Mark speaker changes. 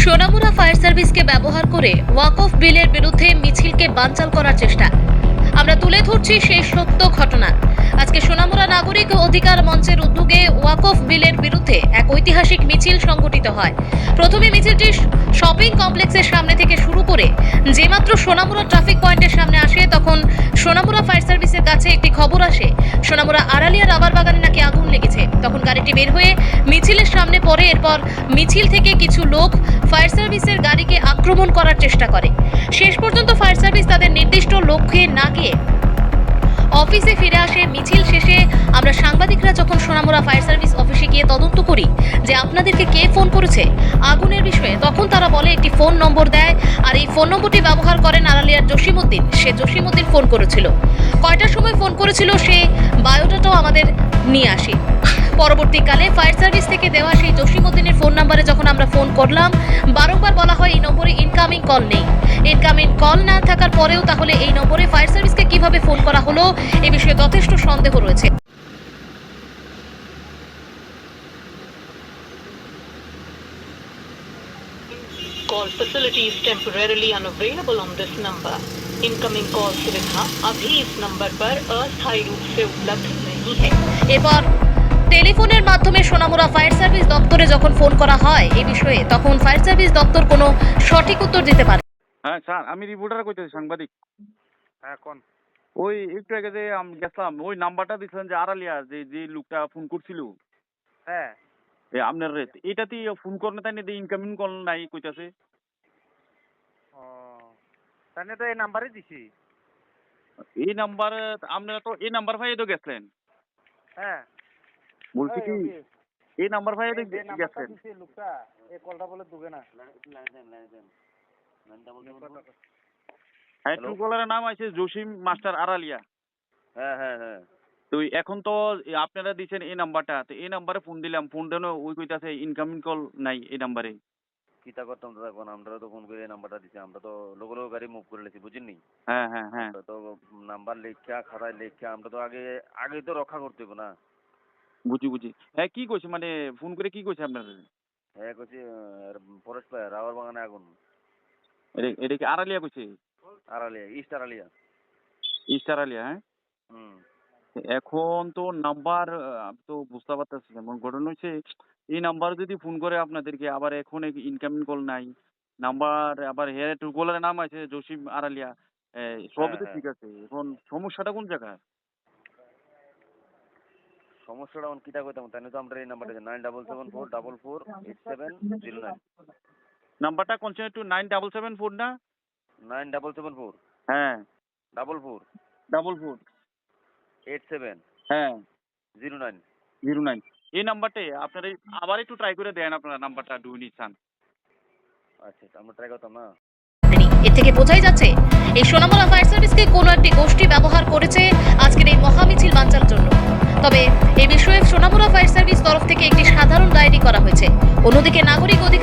Speaker 1: Sonamura fire সার্ভিসকে ব্যবহার করে ওয়াকফ বিলের বিরুদ্ধে মিছিলকে বানচাল করার চেষ্টা। আমরা তুলে ধরছি সেই সত্য ঘটনা। আজকে সোনামুড়া নাগরিক অধিকার মঞ্চের উদ্যোগে ওয়াকফ বিলের বিরুদ্ধে এক ঐতিহাসিক মিছিল সংগঠিত হয়। প্রথমে মিছিলটি শপিং কমপ্লেক্সের সামনে থেকে শুরু করে যেমাত্র সোনামুড়া ট্রাফিক পয়েন্টের সামনে আসে, তখন সোনামুড়া ফায়ার সার্ভিসের কাছে একটি খবর আসে সোনামুড়া আড়ালিয়া রাবার বাগানে নাকি আগুন লেগেছে। তখন গাড়িটি বের হয়ে মিছিলের সামনে পড়ে। এরপর মিছিল থেকে কিছু লোক ফায়ার সার্ভিসের গাড়িকে আক্রমণ করার চেষ্টা করে। শেষ পর্যন্ত ফায়ার সার্ভিস তাদের নির্দিষ্ট লক্ষ্যে না গিয়ে অফিসে ফিরে আসে। মিছিল শেষে আমরা সাংবাদিকরা যখন সোনামুড়া ফায়ার সার্ভিস অফিসে গিয়ে তদন্ত করি যে আপনাদেরকে কে ফোন করেছে আগুনের বিষয়ে, তখন তারা বলে একটি ফোন নম্বর দেয়, আর এই ফোন নম্বরটি ব্যবহার করেন আড়ালিয়ার জসিমউদ্দিন। সে জসিমউদ্দিন ফোন করেছিল, কয়টার সময় ফোন করেছিল সে বায়োডাটাও আমাদের নিয়ে আসে। পরবর্তীকালে ফায়ার সার্ভিস থেকে দেওয়া সেই জসিমউদ্দিনের ফোন নম্বরে যখন আমরা ফোন করলাম, বারংবার বলা হয় এই নম্বরে ইনকামিং কল নেই। ইনকামিং কল না থাকার পরেও তাহলে এই নম্বরে ফায়ার সার্ভিসকে কিভাবে ফোন করা হলো এ বিষয়ে যথেষ্ট সন্দেহ রয়েছে।
Speaker 2: Call facility is temporarily unavailable on this number. Incoming call सुविधा अभी इस नंबर पर अस्थायी रूप से उपलब्ध नहीं है।
Speaker 1: এরপর টেলিফোনের মাধ্যমে সোনামুড়া ফায়ার সার্ভিস দপ্তরে যখন ফোন করা হয় এই বিষয়ে, তখন ফায়ার সার্ভিস দপ্তর কোনো সঠিক উত্তর দিতে পারে।
Speaker 3: হ্যাঁ স্যার, আমি রিপোর্টার কইতেছি, সাংবাদিক।
Speaker 4: হ্যাঁ কোন
Speaker 3: ওই একটু আগে যে আমি গেছিলাম, ওই নাম্বারটা দিচ্ছিলেন যে আড়ালিয়া, যে লোকটা ফোন করছিল
Speaker 4: হ্যাঁ
Speaker 3: আপনার এটাতে ফোন করেন, তাই না? ইনকামিং কল নাই কইতাছে।
Speaker 4: ও তাহলে তো এই নাম্বারে দিছি।
Speaker 3: এই নাম্বার আপনারা তো এই নাম্বার ভাই তো গেছিলেন।
Speaker 4: হ্যাঁ
Speaker 3: বলছি কি এই নাম্বার ভাই তো
Speaker 4: যে নাম্বারটা
Speaker 3: গেছিলেন।
Speaker 4: দিছি লোকটা এই কলটা বলে দুবে না।
Speaker 3: হ্যাঁ, ট্রু কলারের নাম আছে জসিম মাস্টার আড়ালিয়া।
Speaker 4: হ্যাঁ হ্যাঁ হ্যাঁ
Speaker 3: তো এখন তো আপনারা দিচ্ছেন এই নাম্বারটা, তো এই নাম্বারে ফোন দিলাম, ফোন দেন ওই কইতাছে ইনকামিং কল নাই এই নাম্বারে।
Speaker 5: কিতা করতাম দাদা, কোন আমরা তো ফোন করে নাম্বারটা দিছি, আমরা তো লোক লোক গাড়ি মুভ করে লেছি, বুঝিনি?
Speaker 3: হ্যাঁ হ্যাঁ হ্যাঁ,
Speaker 5: তো নাম্বার লেখা খাতায় লেখা আমরা তো আগে তো রক্ষা করতে হবে না।
Speaker 3: বুঝি। হ্যাঁ, কি কইছে মানে ফোন করে কি কইছে আপনার?
Speaker 5: হ্যাঁ কইছি ফরেস্ট ফায়ার রাবার বাগানে আগুন।
Speaker 3: এটা কি আড়ালিয়া কইছে?
Speaker 5: আড়ালিয়া, ইস্ট আড়ালিয়া।
Speaker 3: ইস্ট আড়ালিয়া, হ্যাঁ।
Speaker 5: হুম
Speaker 3: এখন তো নাম্বার তো বুঝতে পারতেছি, যেমন ঘটনা হচ্ছে এই নাম্বার যদি ফোন করে আপনাদেরকে, আবার এখন ইনকামিং কল নাই নাম্বার, আবার হেয়ার ট্রু কলারের নাম আছে জসিম আড়ালিয়া, সবই তো
Speaker 5: হ্যাঁ।
Speaker 3: ঠিক আছে। এখন সমস্যাটা কোন জায়গায়?
Speaker 5: সমস্যাটা এখন কিতা কইতাম, তাই তো আমরা এই নাম্বারটা 9774448709
Speaker 3: নাম্বারটা কোনছে একটু 9774 না
Speaker 5: 9774
Speaker 3: হ্যাঁ
Speaker 5: 44
Speaker 3: 44
Speaker 5: 87
Speaker 3: হ্যাঁ
Speaker 5: 09
Speaker 3: 09। এই নাম্বারটাই আপনারা আবার একটু ট্রাই করে দেন, আপনারা নাম্বারটা ডুই নিচ্ছেন।
Speaker 5: আচ্ছা আমরা ট্রাই করতাম না।
Speaker 1: এর থেকে বোঝাই যাচ্ছে এই সোনামুড়া ফায়ার সার্ভিসকে কোনো একটি গোষ্ঠী ব্যবহার করেছে আজকের এই মহামিছিল বানচালের জন্য। তবে এই বিষয়ে সোনামুড়া ফায়ার সার্ভিস তরফ থেকে একটি সাধারণ ডায়েরি করা হয়েছে। অন্যদিকে নাগরিক অধিকার